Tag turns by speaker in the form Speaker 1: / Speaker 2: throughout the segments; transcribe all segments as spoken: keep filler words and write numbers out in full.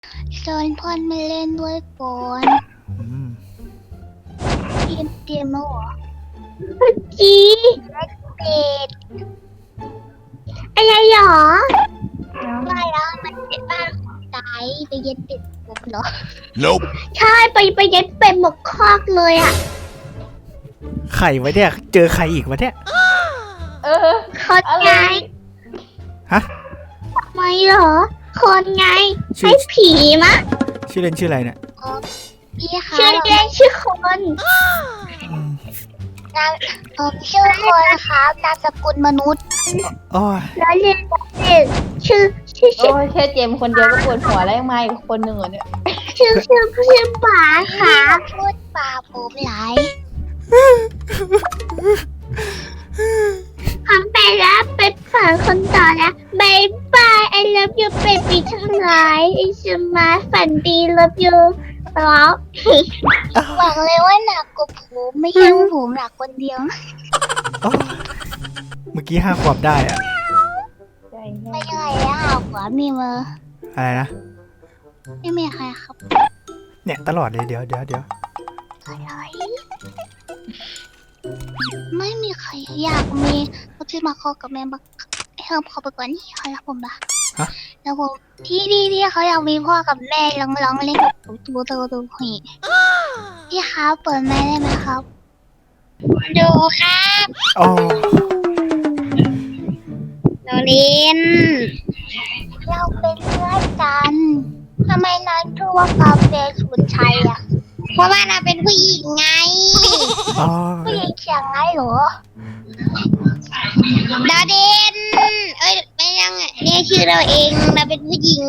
Speaker 1: ชวนเพื่อนมาเล่นด้วยก่อน
Speaker 2: อืม
Speaker 1: เตรียมเตรียมแล้วเหรอจีเป็ดอะไรหรอว่าแล้วมันเป็นบ้านของตายไปเย็นเป็ดหมกเหรอ
Speaker 3: Nope
Speaker 1: ใช่ไปไปเย็นเป็ดหมกคอกเลยอ่ะ
Speaker 2: ไข่ไว้เนี่ยเจอใครอีกวะเนี่ย
Speaker 4: เออ
Speaker 1: คนไง
Speaker 2: ฮะ
Speaker 1: ทำไมเหรอคนไง
Speaker 2: ชื่อ
Speaker 1: ให้ผีมะ
Speaker 2: ชื่อเล่นชื่ออะไรเนี่ย
Speaker 1: พี่คะชื่อเล่นชื่อคน
Speaker 2: อืม
Speaker 1: นามผมชื่อคนครับนามสกุลมนุษย์
Speaker 2: โอ้ย
Speaker 1: แล้วเรียนชื่อชื่อชื่อ
Speaker 4: โอ้ยแค่เจมส์คนเดียวก็ปวดหัวแล้วยังมาอีกคนหนึ่งเหรอเนี่ย
Speaker 1: ชื่อชื่อชื่อป๋าค่ะพูดป๋าผมหลายคำไปแล้วเป็นฝันคนต่อแล้วบายบาย I love you baby ทั้งหลายไอสมาฝันดี love you แล้วหวังเลยว่าหนักกว่าผมไม่ใช่ว่าผมหนักคนเดียว
Speaker 2: โอ้ยเมื่อกี้ห้าขวบได้อะ
Speaker 4: ใจ
Speaker 1: ไม่ใช่แล้วค่ะขวามีมือ
Speaker 2: อะไรนะ
Speaker 1: ไม่มีใครครับ
Speaker 2: เนี่ยตลอดเลยเดี๋ยวเดี๋ยวเดี๋ยว
Speaker 1: อะไรไม่มีใครอยากมีเขาที่มาคอกับแม่บักให้เขาเขาไปก่อนนี่เขารักผมปะ
Speaker 2: ฮะ
Speaker 1: แล้วผมที่ที่ที่เขาอยากมีพ่อกับแม่ร้องร้องเล่นกับตัวตัวตัวผีพี่ครับเปิดแม่ได้ไหมครับดูครับ
Speaker 2: โอ้
Speaker 1: โนลินเราเป็นเพื่อนกันทำไมนายชื่อว่ากาแฟสุนชัยอ่ะเพราะว่าเราเป็นผู้หญิงไง
Speaker 2: โอ้
Speaker 1: ผู้หญิงเสียงไงเหรอดาเดนเอ้ยไม่ยังอ่ะเนี่ยชื่อเราเองเราเป็นผู้หญิง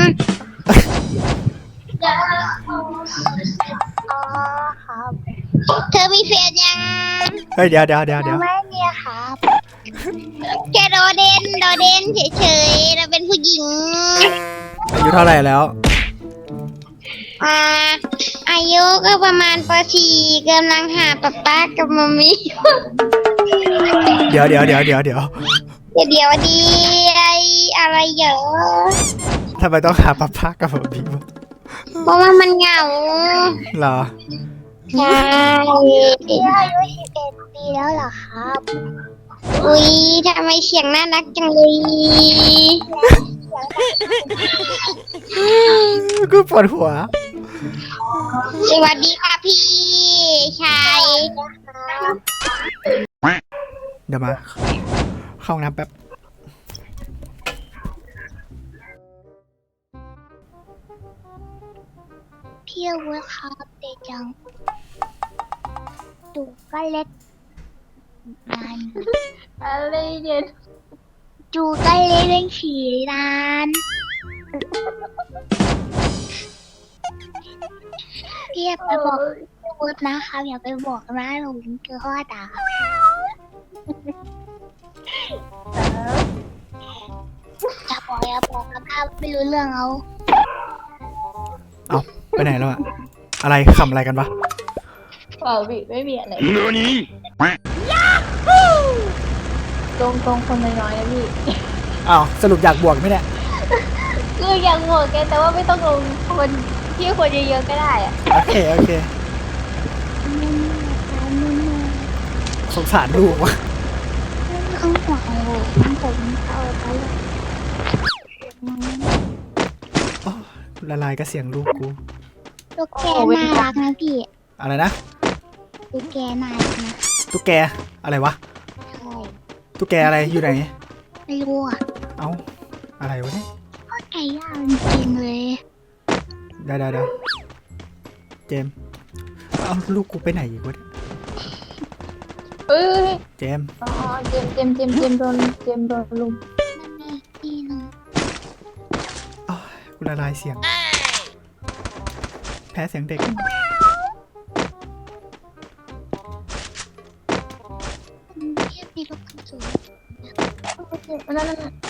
Speaker 1: อ๋อครับเธอมีแฟนยัง
Speaker 2: เฮ้ยเดี๋ยวเดี๋ยวเดี๋ยวเดี๋ยว
Speaker 1: ไม่มีครับแค่โดเดนโดเดนเฉยๆเราเป็นผู้หญิง
Speaker 2: อายุเท่าไหร่แล้ว
Speaker 1: อ่าอายุก็ประมาณป .สี่ กำลังหาป๊าป๊ากับมัมมี่
Speaker 2: เดี๋ยวเดี๋ยวเดี๋ยวเดี๋ยวเดี๋ยว
Speaker 1: เดี๋ยวดีไออะไรเยอะ
Speaker 2: ทำไมต้องหาป้าพักกับผมพี่วะ
Speaker 1: เพราะว่ามันเหงา
Speaker 2: เหรอ
Speaker 1: ใช่พี่อายุสิบเอ็ดปีแล้วเหรอครับ อุ้ยทำไมเสียงน่ารักจังเลย
Speaker 2: กูปวดหัว
Speaker 1: สวัสดีค่ะพี่ชาย
Speaker 2: เดี๋ยวมา เข้าห้องน้ำแป๊บ
Speaker 1: พี่อาวุธครับเด็กจังดูก็เล็กนาน
Speaker 4: อะไรเนี่ย
Speaker 1: จูก็เล็กเป็นฉี่นานพี่อย่าไปบอกอาวุธนะครับอย่าไปบอกนะหนูคือข้อด่าอย่าบอกอย่าบอกครับถ้าไม่รู้เรื่องเอา
Speaker 2: เอาไปไหนแล้วอะอะไรขำอะไรกันวะ
Speaker 4: เปล่าพี่ไม่มีอะไร
Speaker 3: Nani
Speaker 4: ตรงตรงคนน้อยๆนะพี่
Speaker 2: อ้าวสรุปอยากบวกไหมเนี่ย
Speaker 4: คืออยากโหวตแกแต่ว่าไม่ต้องลงคนที่คนเยอะๆก็ได้อะ
Speaker 2: โอเคโอเค สงสารลูกวะ
Speaker 1: ข้างหัวผมเอาไปเลย
Speaker 2: โอ้ละลายกับเสียงลูกกู
Speaker 1: ตุ๊กแกน่ารักนะพี่
Speaker 2: อะไรนะ
Speaker 1: ตุ๊กแกน่ารักนะ
Speaker 2: ตุ๊กแก อะไรวะ
Speaker 1: ใช่
Speaker 2: ตุ๊กแกอะไรอยู่ไหน
Speaker 1: ไม่รู้อ่ะ
Speaker 2: เอ้า อะไรวะเนี่ย
Speaker 1: ก็ไก่ย่างจริงเลย
Speaker 2: ได้ได้ได้เจมส์เอาลูกกูไปไหนอีกวะเนี่ย
Speaker 4: เอ้ย
Speaker 2: เจมส์
Speaker 4: อ๋อเจมส์เจมส์เจมส์เจมส์โดนเจมส์โดนลุม
Speaker 1: มันมีที่หนึง
Speaker 2: อ้าวกูละลายเสียง แพ้เสียงเด็ก
Speaker 1: พี่มีลูกกระสุน
Speaker 4: นั่นนั่นนั่น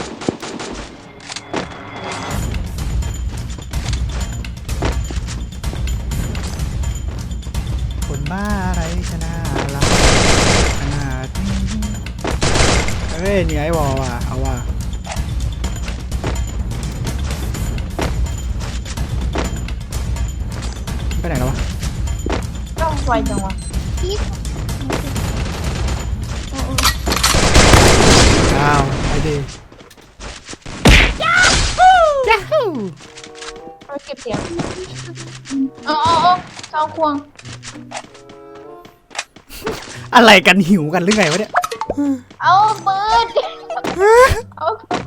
Speaker 2: คนบ้าอะไรชนะรักขนาดนี้เฮ้ยเหนี่อยว่ะเอาว่ะไหนแล้ววะ
Speaker 4: ต้องไวจังวะ
Speaker 1: พี่
Speaker 2: อ้าวไอ้ดิยาฮูยาฮู
Speaker 4: เราเก็บเสียงอ๋ออ๋อเจ้าควง
Speaker 2: อะไรกันหิวกันหรือไงวะเนี่ย
Speaker 4: เอาปืนเอา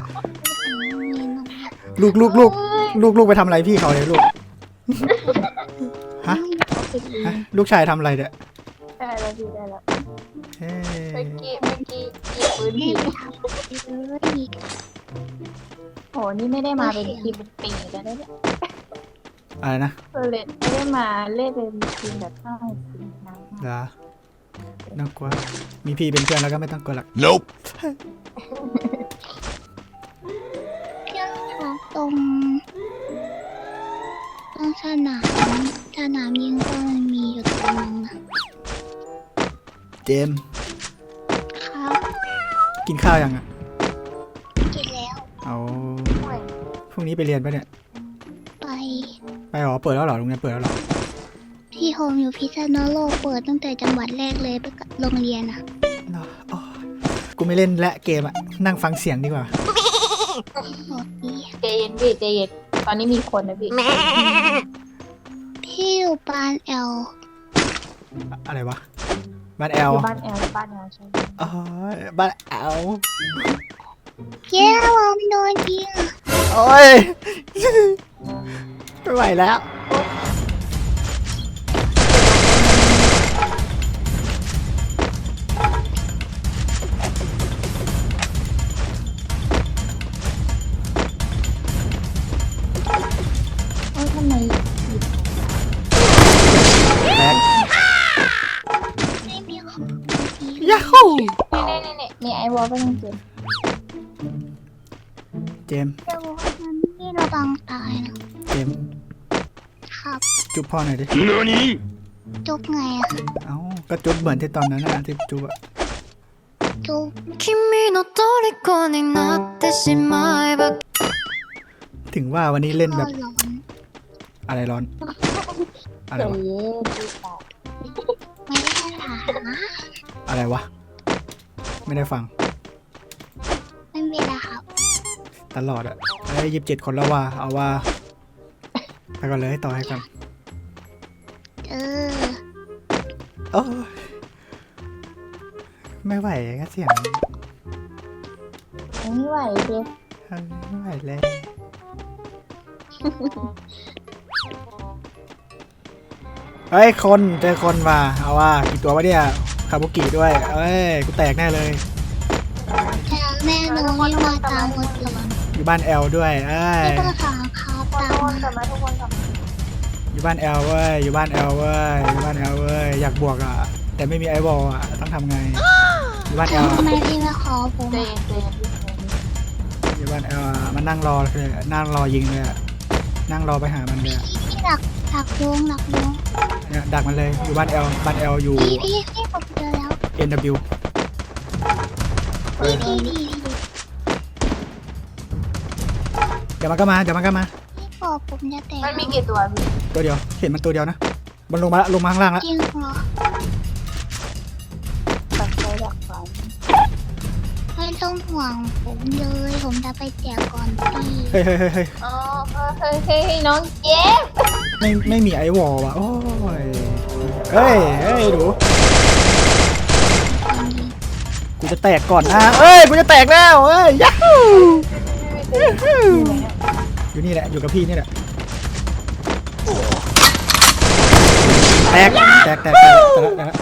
Speaker 2: ลูกลูกลูกลูกลูกไปทำอะไรพี่เขาเลยลูกฮะฮะลูกชายทำอะไรเนี่ย
Speaker 4: ได้แล้วพี่ได้แล้ว
Speaker 2: เฮ้
Speaker 4: เมื่อกี้เมื่อกี้หยิบปืน
Speaker 1: นี่
Speaker 4: ผิด
Speaker 1: ไปทำเลย
Speaker 4: โหนี่ไม่ได้มาเป็นทีมเป็นปีแล้วเนี่ย
Speaker 2: อะไรนะ
Speaker 4: เออเล่นไม่ได้มาเล่นเป็นทีมแบบห้าทีมนะ
Speaker 2: เหรอน่ากลัวมีพี่เป็นเพื่อนแล้วก็ไม่ต้องกลัวหรอก
Speaker 3: Nope.
Speaker 1: เครื่องค่ะตรงตรงสนามสนามยิงก็มันมีอยู่ตรงนึงนะ
Speaker 2: เจมส์
Speaker 1: ครับ
Speaker 2: กินข้าวยังอ่ะ
Speaker 1: กินแล้ว
Speaker 2: เอาพรุ่งนี้ไปเรียนปะเนี่ย
Speaker 1: ไป
Speaker 2: ไปหรอเปิดแล้วเหรอโรงเรียนเปิดแล้วเหรอ
Speaker 1: ที่โฮมอยู่พิษณุโลกเปิดตั้งแต่จังหวัดแรกเลยไปกับโรงเรียนอ่ะ
Speaker 2: เนาะโอ้ยกูไม่เล่นและเกมอ่ะนั่งฟังเสียงดีกว่า
Speaker 1: บอกดี
Speaker 4: ใจเย็นพี่ใจเย็นตอนนี้มีคนนะพี่
Speaker 1: พี่อยู่ปานแอล
Speaker 2: อะไรวะบ้านแอล
Speaker 4: อยู่บ้านแอลบ้านแอลใช่ไหม
Speaker 2: อ๋อบ้านแอล
Speaker 1: เย้ผมโดนยิง
Speaker 2: โอ้ยไม่ไหวแล้ว
Speaker 4: เอ้ยทำไม
Speaker 2: แตก
Speaker 1: ไม่มีของดี
Speaker 2: ยาฮู
Speaker 4: นี่นี่นี่มีไอวอลก็ยังเจ็บ
Speaker 2: เจมส์
Speaker 1: แต่ว่ามันนี่เราบังตายนะ
Speaker 2: เจมส์
Speaker 1: ครับ
Speaker 2: จุ๊บพ่อหน่อยดิ
Speaker 3: Nani?
Speaker 1: จุบไงอะ
Speaker 2: เอ้าก็จุ๊บเหมือนที่ตอนนั้นนะที่จุ๊บอะ
Speaker 1: จุบ
Speaker 5: 君の虜になってしまえば
Speaker 2: ถึงว่าวันนี้เล่น
Speaker 1: ก็
Speaker 2: แบบ
Speaker 1: ร้อน
Speaker 2: อะไรร้อน อะไร
Speaker 4: ใจ
Speaker 2: วะ
Speaker 4: เย็นพี่สาว
Speaker 1: ไม่ได้ถามนะ
Speaker 2: อะไรวะ ไม่ได้ฟัง
Speaker 1: ไม่เป็นไรครับ
Speaker 2: ตลอดอะไอ้ยิบเจ็ดคนแล้วว่า เอาว่าไปก่อนเลยต่อให้กัน
Speaker 1: เออ
Speaker 2: โอ้ยไม่ไหวก็เสียง
Speaker 4: ไม่ไหวพี่
Speaker 2: ไม่ไหวเลยเฮ้ยคนเจอคนว่ะเอาว่ากี่ตัววะเนี่ยคาบุกิด้วยเอ้ยกูแตกแน่เลย
Speaker 1: แต่แม่หนูนี่มาตามหมดเลย
Speaker 2: อยู่บ้านแอลด้วยเอ้ย
Speaker 1: พี่ก็ถามครับ
Speaker 4: ทุก
Speaker 1: ตาม
Speaker 4: คนกลั
Speaker 1: มา
Speaker 4: บมาทุกคนกลับมา
Speaker 2: อยู่บ้านแอลเว้ยอยู่บ้านแอลเว้ยอยู่บ้านแอลเว้ยอยากบวกอ่ะแต่ไม่มีไอวอลอ่ะต้องทำไงอยู่บ้านแอล
Speaker 1: ทำไมพี่ไม่ขอผม
Speaker 4: ใจ
Speaker 1: อะ
Speaker 4: เย็นใจเย็นพี่ใจเย็น
Speaker 2: อยู่บ้านแอลมันนั่งรอเลยนั่งรอยิงเลยอะนั่งรอไปหามันเลยอะ
Speaker 1: พี่หลักหลักวงหลักวง
Speaker 2: เนี่ยดักมันเลยอยู่บ้านแอลบ้านแอลอยู่
Speaker 1: พี่พี่พี่ผมเจอแล้ว
Speaker 2: เอ็น ดับเบิลยู
Speaker 1: พี่พี่พี่พี่
Speaker 2: เดี๋ยวมันก็มาเดี๋ยวมันก็มา
Speaker 1: พี่บอกผมจะแตก
Speaker 4: มันมีกี่ตัวพี่
Speaker 2: ตัวเดียวเห็นมันตัวเดียวนะมันลงมาละลงมาข้างล่างละ
Speaker 1: จริงเหรอ
Speaker 4: ตัดใจหลักฝัน
Speaker 1: ไม่ต้องห่วงผมเลยผมจะไปแจกก่อนพี่
Speaker 2: เฮ้ยเฮ้ยเฮ้ยเฮ้ย
Speaker 4: อ๋อเฮ้ยเฮ้ยเฮ้ยน้องเจ๊บ
Speaker 2: ไม่ไม่มีไอวอลว่ะโอ้ยเฮ้ยเฮ้ยดูกูจะแตกก่อนนะเอ้ยกูจะแตกแล้วเอ้ยยัฮูอยู่นี่แหละอยู่กับพี่นี่แหละแตกแตกแตกแตกแตกแตก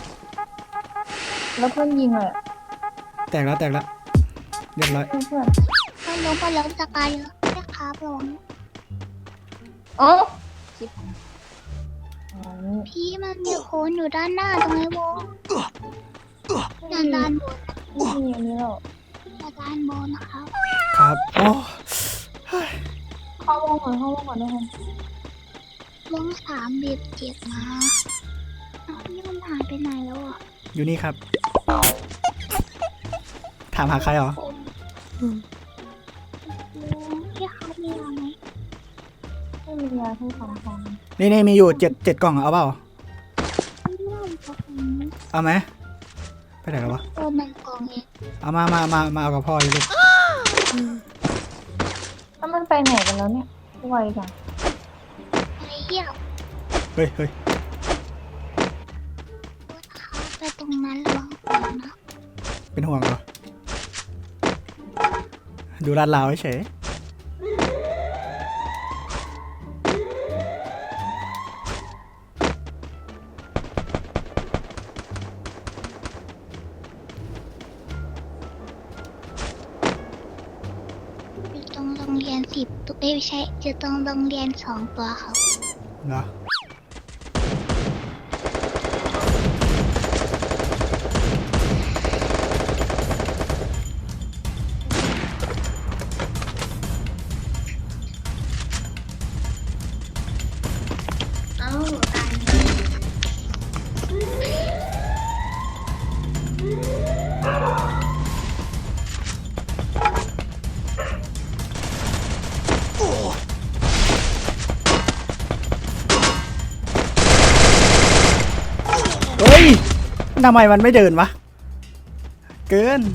Speaker 4: แล้วเพื่อนยิงเลย
Speaker 2: แตกแล้วแตกแล้วเรียบร้อย
Speaker 4: เพื่อนเพื่อน
Speaker 1: มันลงมาแล้วสกายเยอะแค่ครับลง
Speaker 4: อ๋อชิบอ๋อ
Speaker 1: พี่มันมีโคนอยู่ด้านหน้าตรงไอ้วงด้านด้านบน
Speaker 4: นี่มีอันนี้แล้ว
Speaker 1: ด้านบนนะครับ
Speaker 2: ครับโอ้
Speaker 4: เข้าวงก่อนเข้าวงก่อนทุกคน
Speaker 1: วงสามบีบเจ็บมาอ้าวพี่มันหายไปไหนแล้วอ่ะ
Speaker 2: อยู่นี่ครับ ถามหาใครเหรอ
Speaker 1: พี่ครับมีอะไรไหม
Speaker 4: ไม่ไม่มียาที่สองทอง
Speaker 2: นี่นี่มีอยู่เจ็ดเจ็ดกล่องเอาเปล่าเอาไหมไปไหนแล้ววะ
Speaker 1: ตัวมันกองเอง
Speaker 2: เอามามามามาเอากับพ่ออยู่ลูก
Speaker 4: ถ้ามันไปไหนกันแล้วเนี่ยไวจัง
Speaker 1: ไปเยี่ยม
Speaker 2: เฮ้ยเฮ้ย
Speaker 1: เขาไปตรงนั้นระวังตัวนะ
Speaker 2: เป็นห่วงเหรอดูลาดลาวเฉย
Speaker 1: อยู่ตรงโรงเรียนสิบตัวเอ้ยไม่ใช่อยู่ตรงโรงเรียนสองตัวครับ
Speaker 2: เหรอเฮ้ยทำไมมันไม่เดินวะเกิน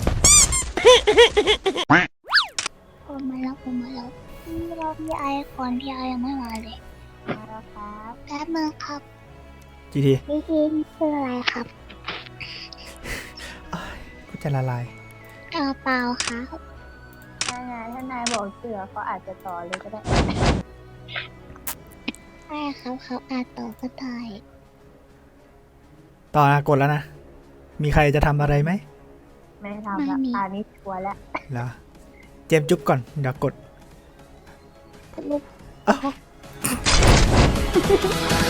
Speaker 1: ผมมาแล้วผมมาแล้วรอพี่ไอก่อนพี่ไอยังไม่มาเลย
Speaker 4: มาแล้วครับ
Speaker 1: แป๊บนึงครับ
Speaker 2: จีที
Speaker 1: พี่ทีนคืออะไรครับ
Speaker 2: กูจะละลาย
Speaker 1: กระเป๋าครับ
Speaker 4: ถ้านายถ้านายบอกเสือเขาอาจจะต่อเลยก็ได้
Speaker 1: ใช่ครับเขาอาจต่อก็ได้
Speaker 2: ต่อนะกดแล้วนะ มีใครจะทำอะไรไหม
Speaker 4: ไม่ทำละอันนี้ชัวร์แล้ว
Speaker 2: เหรอเจมส์จุ๊บก่อนเดี๋ยวกด
Speaker 1: ลูก
Speaker 2: อ้าว